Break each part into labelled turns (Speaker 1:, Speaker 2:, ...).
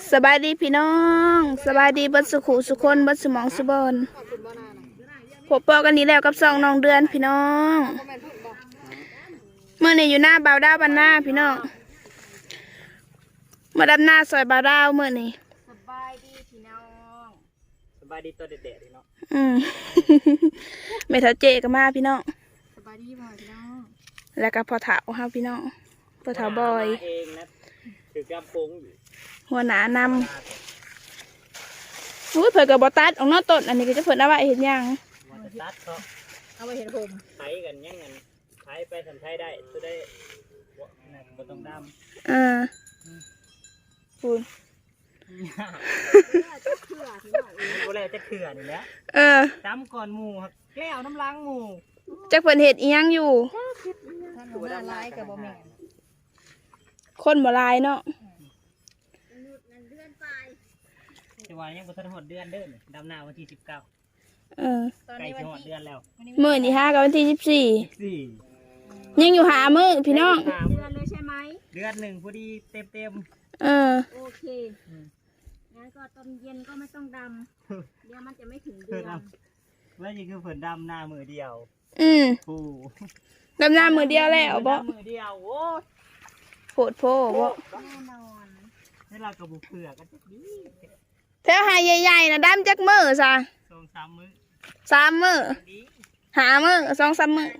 Speaker 1: สบายดีพี่น้องสบายดีบัดสุขุสุคนบัดสมองสุบอนพบปอกันนี้แล้วกับซองน้องเดือนพี่น้องเมื่อนี้อยู่หน้าบ่าวดาวบ้านหน้าพี่น้องมาดำหน้าซอยบ่าวดาวเมื่อนี้
Speaker 2: สบายดีพี่น้อง
Speaker 3: สบายดีตัวเด็ดๆพี่น้อง
Speaker 1: ไม่เท่าเจก็มาพี่น้อง
Speaker 2: สบายดีบ่อยพี่น้อง
Speaker 1: แล้วก็พอเถาครับพี่น้องพอเถาบอย
Speaker 3: เองนะถือกำปงอยู่
Speaker 1: หัวหนานำเผื่อกับบอตัดออกนอกต้นอันนี้ก็จะเผื่อเอาไว้เห็นยัง
Speaker 3: ตัดเขา
Speaker 2: เอาไปเห็นผม
Speaker 3: ไถกันยังเงินไถไปทำไถได้จะได้บ่ต้องดำ
Speaker 1: คุณ
Speaker 3: โบแลจะเขื่อนนี่แหละดำก่อนหมูครับแก้วน้ำล้างหมู
Speaker 1: จะเผื่อเห็ดอีหยังอยู่
Speaker 2: ถือว่าร้ายกับบ่แม่
Speaker 1: คนบ่ลายเนาะ
Speaker 3: จะว่ายังบ่ทันหดเดือนเด้อดำหน้าวันที่19ใกล้จะหดเดือนแล้ว
Speaker 1: มื้อนี่5กับวันที่14ยังอยู่หามื้อพี่น้อง
Speaker 2: เดือนเลยใช่ไหม
Speaker 3: เดือนหนึ่งพอดีเต็ม
Speaker 2: โอเคงั้นก็ตอนเย็นก็ไม่ต้องดำเดี๋ยวมันจะไม่ถึงเดือน
Speaker 3: แล้วนี่คือฝนดำหน้ามือเดียว
Speaker 1: ดำหน้ามือเดียวแล้วบ่
Speaker 3: มือเดียวโอ้
Speaker 1: โผดโผบ่
Speaker 2: แน่นอน
Speaker 3: นี่เรากระบุกเผือกกันดี
Speaker 1: แถวหายใหญ่ๆนะดำจักมือซะ
Speaker 3: 2-3 มื้อ
Speaker 1: 3 มื้อหามื้อ2-3 มื้อ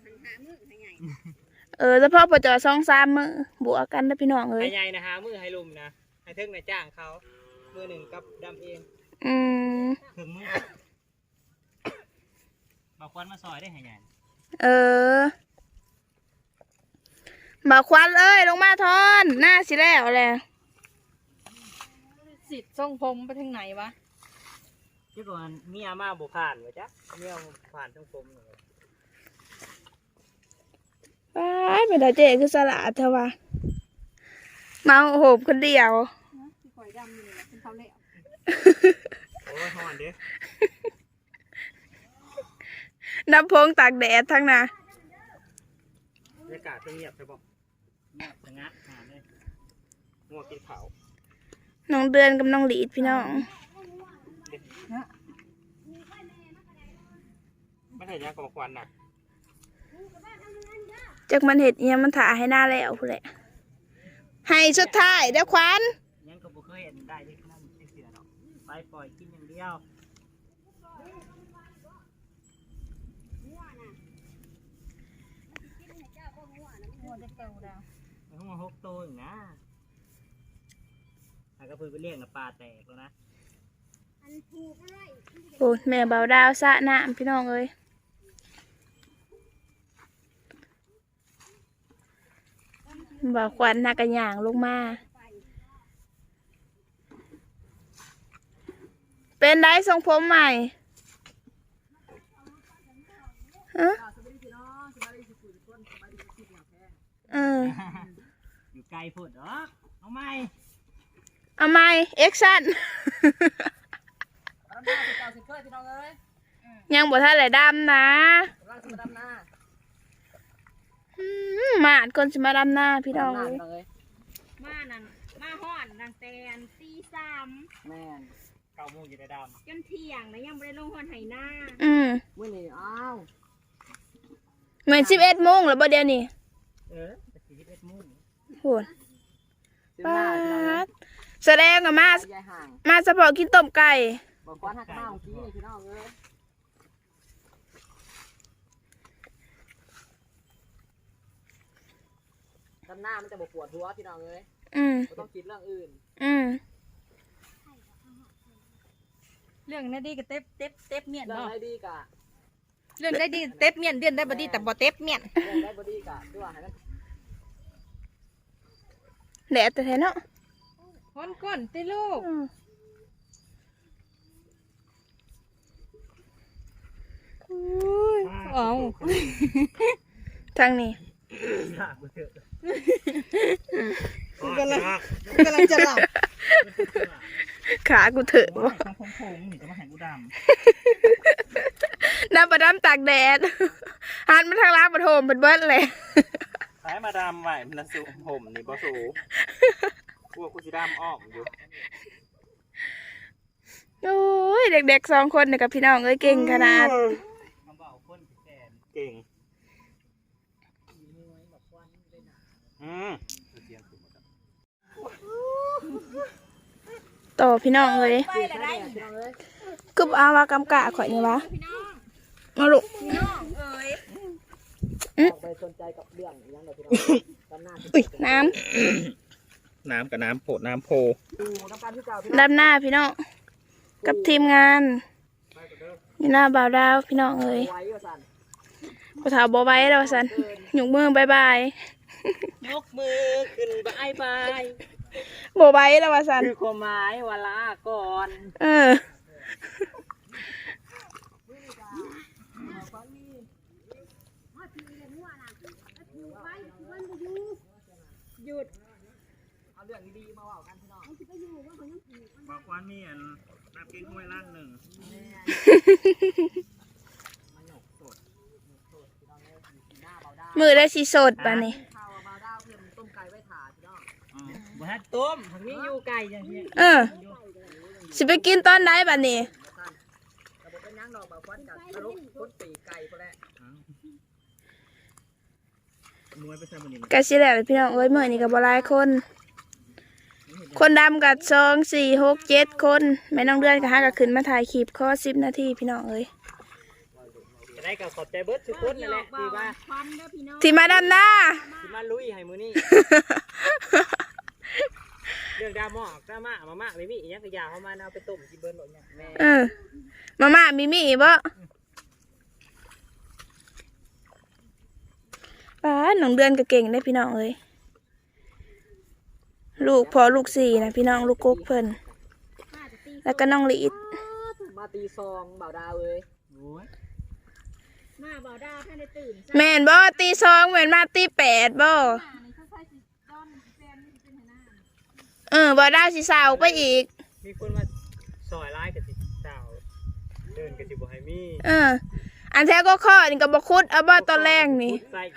Speaker 1: เฉพาะปจอ2-3 มื้อบวกกันนะพี่น้องเอ้ย
Speaker 3: ใหญ่นะหามื้อให้ลุมนะให้ถึงในจ้างเขามื้อหนึ่งกับดำเองถึงมื้อบางควันมาซอยได้ให้ใหญ่
Speaker 1: บ่าวควันเอ้ยลงมาทอนหน้าสิแล้วแหละ
Speaker 2: สิทธิ์ทรงผมไปทางไหนวะ
Speaker 3: เจ้าก่อนมีอาม่าบุผ่านวะจ๊ะมีอาผ่านทรงผมเลย
Speaker 1: ไม่ได้เจ๊คือสละเถอะวะมาโหมคนเดียว
Speaker 2: ข่อยดำอยู่เลยเป็นเขาเละ
Speaker 3: โอ้ยหอนเด้
Speaker 1: น้ำพงตากแดดทั้งน่ะ
Speaker 3: บรรยากาศเงียบใช่ปะเงียบสงัดหาเลยงัวกินเขา
Speaker 1: น้องเดือนกับน้องหลีดพี่น้อง
Speaker 3: ไม่ใช่ยังกับควันน่ะ
Speaker 1: จากมันเห็ดเนี่ยมันถ่าให้หน้าแล้วพูดแหละให้สุดท้ายเดี๋ยวควัน
Speaker 3: ยังกับบุเคยเห็นได้ที่นั่นเสียดอกไปปล่อยกินอย่างเดียวหัว6 ตัวอย่างนะถ้าก็เพิ่งไปเลี้ยงกับปลาแตกแล้วนะ
Speaker 1: โอ้แม่เบาดาวสะน้ำพี่น้องเอ้ยบ่าวควันนักกันอย่างลงมาเป็นได้ทรงผมใหม่
Speaker 3: อยู่ไกลพูดเหรอเอาไหม
Speaker 1: เอ็กชั่นยังบ่ทันเลยดำนะมาดคนจะมาดำหน้าพี่น้องเลย
Speaker 2: มานั่นมาห่อนนางแตนตี3
Speaker 3: แม่9 โมงอยู่ในดำ
Speaker 2: จนเที่ยงนะยังไม่ได้ลงห่อนไหหน้า
Speaker 3: เมื่อนี้
Speaker 1: เหมือน11 โมงแล้วบ่เดี๋ยวนี้
Speaker 3: 11 โมง
Speaker 1: โหดป้าแสดงกับมาเฉพาะกินต้มไก่
Speaker 3: บอกว่าหักมาของกี้พี่น้องเลยด้านหน้ามันจะปวดหัวพี่น้องเลยต้องคิดเรื่องอื่น
Speaker 2: เรื่องได้ดีกับเต็บเมียน
Speaker 3: เรื่องได้ดีกะ
Speaker 2: เรื่องได้ดีเต็บเมียนเดือนได้บดีแต่บ่เต็บเมียน
Speaker 3: เรื่องได้บดีกะด้วยให้มัน
Speaker 1: แดดแต่แท้เนาะ
Speaker 2: คนก้นติลูกเอา
Speaker 1: ทางนี้
Speaker 2: กำลังจะหลับ
Speaker 1: ขากูเถอะ
Speaker 3: วะทำโค้งๆนี่จะมาแข่งกูด
Speaker 1: ำน้ำประดำตากแดดหันมาทางร้านปฐมเป็นเบิร์ดเลย
Speaker 3: สายมาดำไหวมันสูงผมนี่บ่สูงพวกกูสิดำออกอยู่
Speaker 1: โอ้ยเด็กๆ2คนเนี่ยกับพี่น้องเอ้ยเก่งขนาด
Speaker 3: เก่ง
Speaker 1: ต่อพี่น้องเลยกึบเอาว่ากำกะข่อยนี่วะมาลูก
Speaker 2: พี่น้องเอ้ย
Speaker 4: ไปสนใจกับเรื่องยังไงพี่น้องตอนหน้า
Speaker 1: อุ้ยน้
Speaker 3: น้ำกับน้ำโผน้ำโพ
Speaker 4: ดูน้ำการที่เก่าพี่
Speaker 1: ำด้านหน้าพี่น้องกับทีมงานอยู่หน้าบ่าวดาวพี่น้องเอ้ย
Speaker 4: ไว้ว่าสัน
Speaker 1: พอถาบ่ไว้แล้วสันหยุกมือบายบาย
Speaker 4: ยกมือขึ้นบายบาย
Speaker 1: บ่ไว้แล้วว่าสัน
Speaker 4: คือความหมายเวลาก่อน
Speaker 1: เออ
Speaker 2: หยุด
Speaker 4: เอาเรื่องดีๆมาว่ากันพี่น้อง
Speaker 3: บอกว่ามีอันน้ำเก๊กห้วยล่างหนึ่ง
Speaker 1: มือได้สิสดป่ะนี่
Speaker 4: ข้าวมาดาวเพิ่มต้มไก่ไว้ถาพี่น้องบ่ฮัดต้มทางนี้อยู่ไก่อย่างนี้
Speaker 1: เออสิไปกินตอนไหนป่ะนี่
Speaker 4: กระบอกเป็นย่างดอกแบบฟันกับทะลุพ้นปีกไก่พอแล้ว
Speaker 3: มวยไปใส่บนนี้
Speaker 1: กะสิแล้วพี่น้องเอ้ยมื้อนี้ก็บ่หลายคน คนดำกับ2 4 6 7คนแม่น้องเดือนก็หาก็ขึ้นมาถ่ายคลิปขอ10 นาทีพี่น้องเอ้ย
Speaker 4: จะได้กับขอบใจเบิร์ดทุกคนนั่นแหละที่ว่า
Speaker 2: ควันเด้อพี่น้อง
Speaker 1: ที่มาดำหน้า
Speaker 4: ที่มาลุยให้มือนี่เรื่องดราม่ามาม่าไม่มีอีกอย่างก็ยาเข้ามาเอาไปต้มกินเบิร์ดหมดเนี่ยแม่
Speaker 1: เออมาม่ามีบ่ป้าน้องเดือนก็เก่งได้พี่น้องเอ้ยลูกพอลูก4นะพี่น้องลูกกกเพิ่นแล้วก็น้องลีด
Speaker 4: มาตีซองบ่าวดาวเลย
Speaker 2: มาบ่าวดาวท่านได้ตื่น
Speaker 1: แม่นบ่ตี2แม่นมาตี8บ่
Speaker 2: นี่เขาใส่สิจ้อนแฟนนี่เป็นหัวหน้า
Speaker 1: บ่ได้สิสาวไปอีก
Speaker 4: มีคนมาซอยร้ายกับสิสาวเดินกับสิบ่ให้มี
Speaker 1: อันแท้ก็ข้อนี่ก็บ่คุดเอาบ่ตอนแรกนี่
Speaker 4: ใส่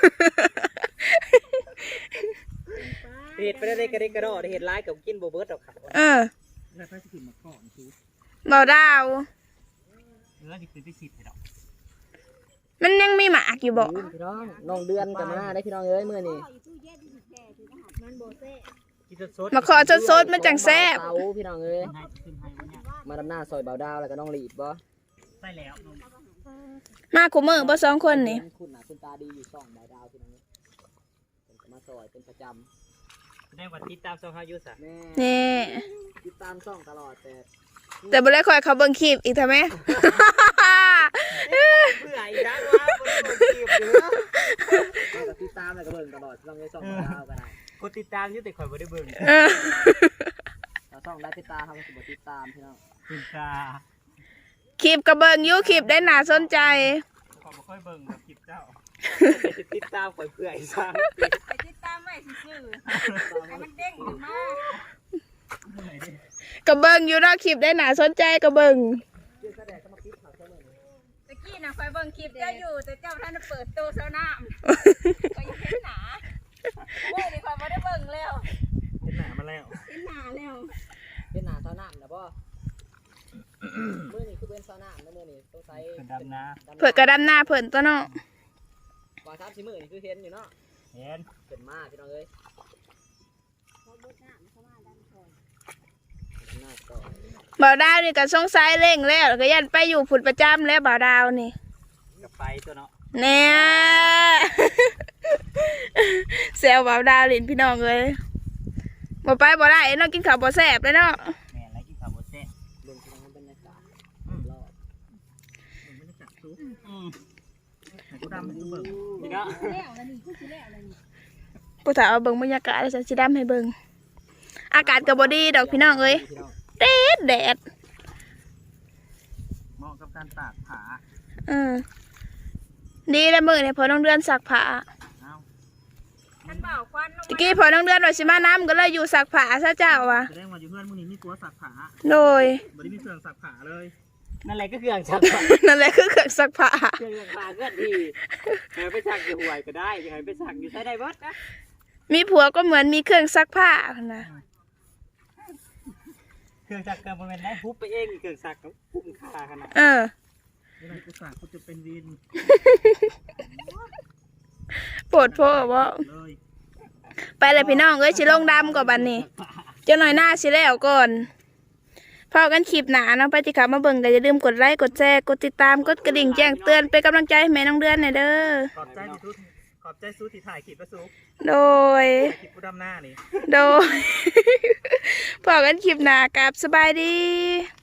Speaker 4: เห็ดไปได้กระเดกกระโดดเห็ดร้ายกับกินโบเบิร์ตดอกครับ
Speaker 3: แล้วถ้าจะขึ้นมาก่อนชู
Speaker 1: บ่ดาว
Speaker 3: แล้วจะขึ้นไปฉีดให้ดอก
Speaker 1: มันยังมีหมากอยู่บ่
Speaker 4: พี่น้องน้องเดือนกับมาได้พี่น้องเอ้ยมื้อนี้
Speaker 2: มันโบเซ่
Speaker 4: กินสด
Speaker 1: มาขอสดๆมันจังแซ่บ
Speaker 4: เตาพี่น้องเอ้ย
Speaker 3: ให้ขึ้นให้วันเนี้ย
Speaker 4: มาดำหน้าซอยบ่าวดาวแล้วก็น้องหลีดบ่
Speaker 3: ใส่แล้ว
Speaker 1: มาคู่มือบ่2คนนี่
Speaker 4: คุณหน้าคุณตาดีอยู่ช่องบ่าวดาวพี่น้องเอ้ยเป็นก็มาซอยเป็นประจ
Speaker 3: ได้วันที่ตามซองเฮาอยู่ซะ
Speaker 4: ำแม่
Speaker 1: นี่
Speaker 4: ติดตามช่องตลอดแต่
Speaker 1: แต่บ่ได้คอยเขาเบิ่งคลิปอีกทำไม
Speaker 4: เพื่ออีกนะว่าบ่ได้บ่คลิปเด้อแล้วก็ติดตามแล้วก็เบิ่งตลอดช่องนี้ช่องบ่าวดาวก็ได้
Speaker 3: กดติดตามอยู่แต่ข่อยบ่ได้เบิ่ง
Speaker 1: เออ
Speaker 4: เราช่องได้ติดตามทำสิบ่ติดตามพี่น้อง
Speaker 3: คุณตา
Speaker 1: คลิปก็เบิ่งอยู่คลิปได้น่าสนใจ
Speaker 3: ข่อยบ่ค่อยเบิ่งแบบคลิปเจ้า
Speaker 4: ติดตามข่อยเพื่ออีกซะ
Speaker 2: ไปติดตามไว้ซื่อๆให้มันเด้งขึ้นมา
Speaker 1: ก็เบิ่งอยู่เนาะคลิปได้น่าสนใจก็เบิ่ง
Speaker 4: เรื่องแสดงก็มาคิดข่าวเสมอ
Speaker 2: ตะกี้น่ะคอยเบิ่งคลิปเจ้าอยู่แต่เจ้าท่านได้เปิดตู้เซาน้ำคอยยังเห็นหนาเมื่อนี่คอยไม่ได้เบิ่งแล้ว
Speaker 3: เห็นหน้ามาแล้ว
Speaker 2: เห็นหนาแล้ว
Speaker 4: เป็นหน้าซาวน้ำนะบ่มื้อนี้คือเป็นซาวน้ำนะมื้อนี้ต้องใช้
Speaker 3: เป็นดำนา
Speaker 1: เพิ่นก็ดำหน้าเพิ่นตัวเนาะ
Speaker 4: ว่า3-4มื้อนี่คือเห็นอยู่เนาะ
Speaker 3: เห็น
Speaker 4: เป็นมาพี่น้องเอ้ยหน้าต่อ
Speaker 1: บ่าวดาวนี่ก็สงสัยเร่งแล้วก็ยันไปอยู่ผุดประจำแล้วบ่าวดาวนี่
Speaker 3: กับไปตัวเนาะ
Speaker 1: แน่ แซวบ่าวดาวลินพี่น้องเลยบ่ไปบ่ได้เนาะกินข้าวบ่แซ่บเลยเนาะ
Speaker 3: แม่แล้วกินข้าวบ่แซ่บ
Speaker 4: เบิ่งพี่น้องบรรยากาศรอบ
Speaker 3: มันไม่ได้จับซุปให้กูดำให้กูเบิ่ง
Speaker 4: นี่เนาะ
Speaker 2: แล้วแล้วนี่คือสิแล้วแล้วนี่
Speaker 1: ผู้ถามเอาเบิ่งบรรยากาศแล้วฉันสิดำให้เบิ่งอากาศก็บ่ดีดอกพี่น้องเอ้ย
Speaker 4: พี่น้อง
Speaker 1: แดด
Speaker 3: เหมาะกับการตากผา
Speaker 1: ดีแล้วมื้อนี่พอน้องเดือนซักผ้า
Speaker 3: เอ้า
Speaker 2: ท่านบ่าวควันลง
Speaker 1: ตะกี้พอน้องเดือนว่าสิมาน้ำก็เลยอยู่ซักผ้าซะเจ้าว่ะ
Speaker 3: แสดงว่าอยู่เพื่อนมึงนี่มีตัวสักผา
Speaker 1: โดย
Speaker 3: บ่ได้มีเครื่องสักผาเลย
Speaker 4: นั่นแหละก็คืออ่างชัก
Speaker 1: นั่นแหละคือเครื่องซักผ้า
Speaker 4: เครื่องอ่างปลาก็ดีไปสักอยู่ห่วยก็ได้ยังไงไปสักอยู่ใช้ได้เบิดนะ
Speaker 1: มีผัวก็เหมือนมีเครื่องซักผ้านะ
Speaker 3: เครื่องจักรกระบวนได้ฮุบไปเองเครื่องจักรกับฮุบขาขนาด
Speaker 1: เออ
Speaker 3: นี่มันกูสั่งกูจะเป็นวิน
Speaker 1: โปวดโพ่บ่
Speaker 3: เลย
Speaker 1: ไปเลยพี่น้องเอ้ยสิลงดำก่อนบัดนี้เจ้าหน่อยหน้าสิแล้วก่อนพอกันคลิปหนาเนาะไปที่ขามาเบิ่งก็อย่าลืมกดไลค์กดแชร์กดติดตามกดกระดิ่งแจ้งเตือนเป็นกำลังใจให้แม่น้องเดือนหน่อยเด้อ
Speaker 3: ขอบใจที่ทุกขอบใจสู้ที่ถ่ายคลิปแล้วสู้
Speaker 1: โดย
Speaker 3: คลิปผู้ดำหน้านี่
Speaker 1: โดย พอกันคลิปหนากับสบายดี